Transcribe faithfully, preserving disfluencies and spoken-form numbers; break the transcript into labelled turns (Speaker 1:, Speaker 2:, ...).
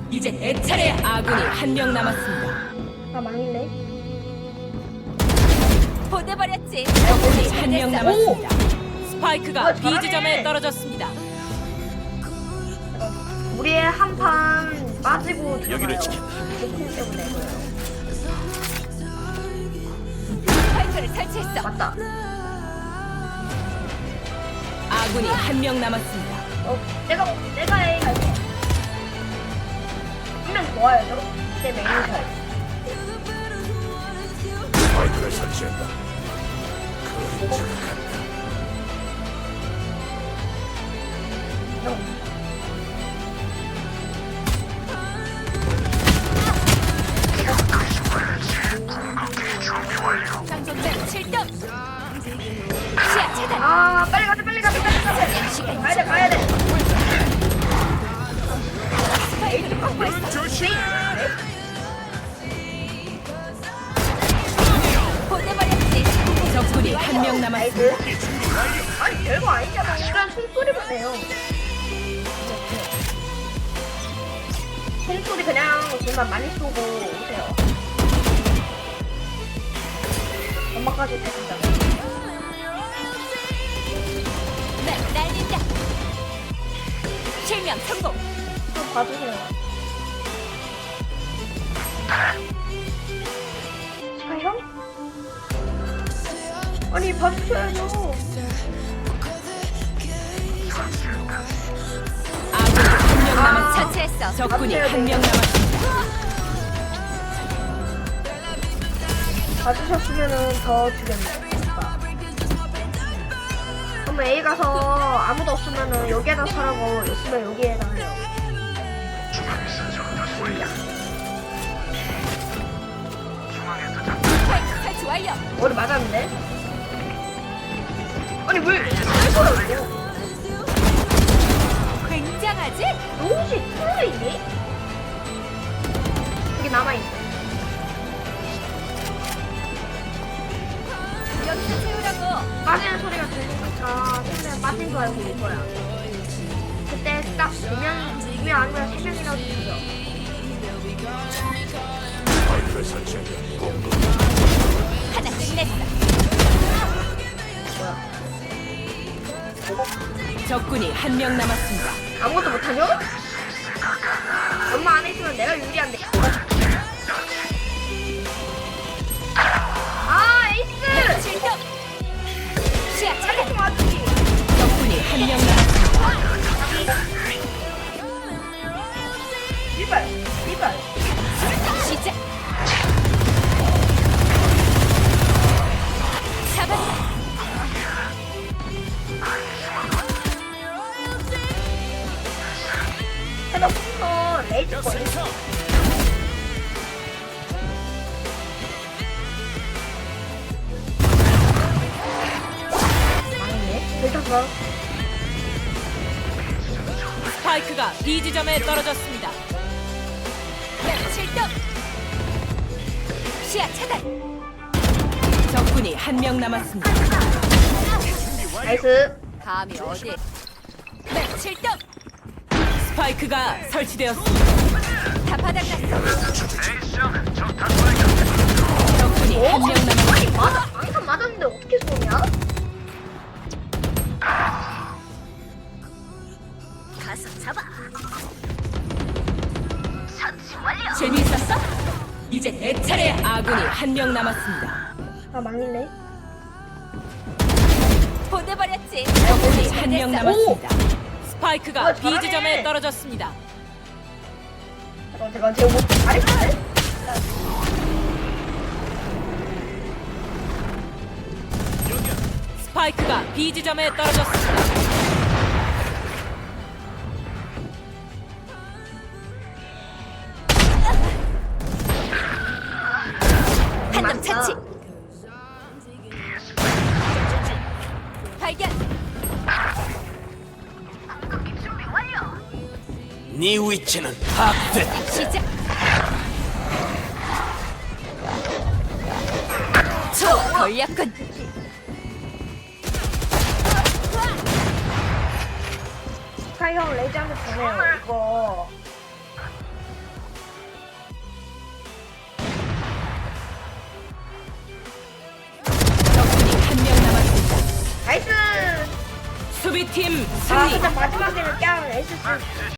Speaker 1: 이제 내 차례. 아군이 한 명 남았습니다.
Speaker 2: 아 망했네.
Speaker 1: 보내버렸지. 아군이 한 명 남았습니다.
Speaker 2: 아,
Speaker 1: 스파이크가
Speaker 2: 잘하네.
Speaker 1: B 지점에 떨어졌습니다.
Speaker 2: 우리의 한 판 빠지고
Speaker 3: 여기를
Speaker 2: 들어가요.
Speaker 3: 지킨다.
Speaker 2: 조금 때문에 그래요.
Speaker 1: 스파이크를 설치했어.
Speaker 2: 맞다.
Speaker 1: 아군이 한 명 남았습니다.
Speaker 2: 어, 내가 내가 A 갈게. 한명 좋아요. 저. 내 메인 갈.
Speaker 3: 스파이크를 설치했다.
Speaker 2: 형.
Speaker 1: 장전장 칠 점. 시야 차단.
Speaker 2: 아 빨리 가자 빨리 가자 빨리 가자.
Speaker 1: 시간
Speaker 2: 가야 돼 가야 돼.
Speaker 1: 스파이크를 확보했어.
Speaker 3: 조심.
Speaker 1: 보내버렸지. 적군이 한 명 남았습니다.
Speaker 2: 나이스. 아니 별거 아니잖아. 그냥 총소리만 내요. 총소리 그냥 정말 많이 쏘고 오세요. 엄마까지 대신다.
Speaker 1: 날 날린다. 실명 성공.
Speaker 2: 좀 봐주세요. 아 형? 아니 봐주셔야죠.
Speaker 1: 아군이 한 명
Speaker 2: 아.
Speaker 1: 남았. 처치했어. 적군이
Speaker 2: 봐주셔야
Speaker 1: 한 명
Speaker 2: 돼요.
Speaker 1: 남았습니다.
Speaker 2: 봐주셨으면은 더 주겠네. 그럼 A 가서 아무도 없으면은 여기에다 서라고 있으면 여기에다 해요.
Speaker 1: 스파이크 설치 완료.
Speaker 2: 머리 맞았는데? 아니 왜 이거라고?
Speaker 1: 굉장하지?
Speaker 2: 옷이 틀어있니? 여기 남아있어.
Speaker 1: 여기서 채우라고.
Speaker 2: 빠지는 소리가 들리니까 처음에 빠진 거 알고 올 거야. 그때 딱 두 명, 두 명 아니면 세 명이라도 죽여.
Speaker 3: 스파이크를 설치했다.
Speaker 1: 하나 끝냈어.
Speaker 2: 뭐야?
Speaker 1: 적군이 한 명 남았습니다.
Speaker 2: 아무것도 못하냐? 엄마 안에 있으면 내가 유리한데. 아 에이스!
Speaker 1: 칠 점. 시야 차단.
Speaker 2: 빨리 좀 와주기.
Speaker 1: 적군이 한 명 남았습니다.
Speaker 2: 이발, 이발.
Speaker 1: 시작. 잡았다.
Speaker 2: 해놓고서 레이즈 거리. 망했네. 들켰어.
Speaker 1: 스파이크가 B 지점에 떨어졌습니다. 칠 점. 시야 차단. 적군이 한 명 남았습니다.
Speaker 2: 나이스.
Speaker 1: 감이 어디? 칠 점. 스파이크가 설치되었습니다. 다 바닥났어. 적군이 한 명 남았습니다.
Speaker 2: 아니 맞아. 방탄 맞았는데 어떻게 쏘냐?
Speaker 1: 가서 잡아. 처치 완료. 재미있었어? 이제 내 차례. 아군이 한 명 남았습니다.
Speaker 2: 아 망했네.
Speaker 1: 보내버렸지. 적군이 한 명 남았습니다.
Speaker 2: 오!
Speaker 1: 스파이크가
Speaker 2: 와,
Speaker 1: B
Speaker 2: 잘하네.
Speaker 1: 지점에 떨어졌습니다.
Speaker 2: 잠깐 잠깐 제가 뭐 잘했네.
Speaker 1: 스파이크가 B 지점에 떨어졌습니다. 한 명 차치. 발견.
Speaker 3: 네 위치는 파악됐다.
Speaker 1: 시작. 초 걸렸군.
Speaker 2: 스카이 형 레이저한테 보내요. 이거 나이스.
Speaker 1: 수비팀
Speaker 2: 아
Speaker 1: 승리.
Speaker 2: 근데 마지막에는 그냥 에이스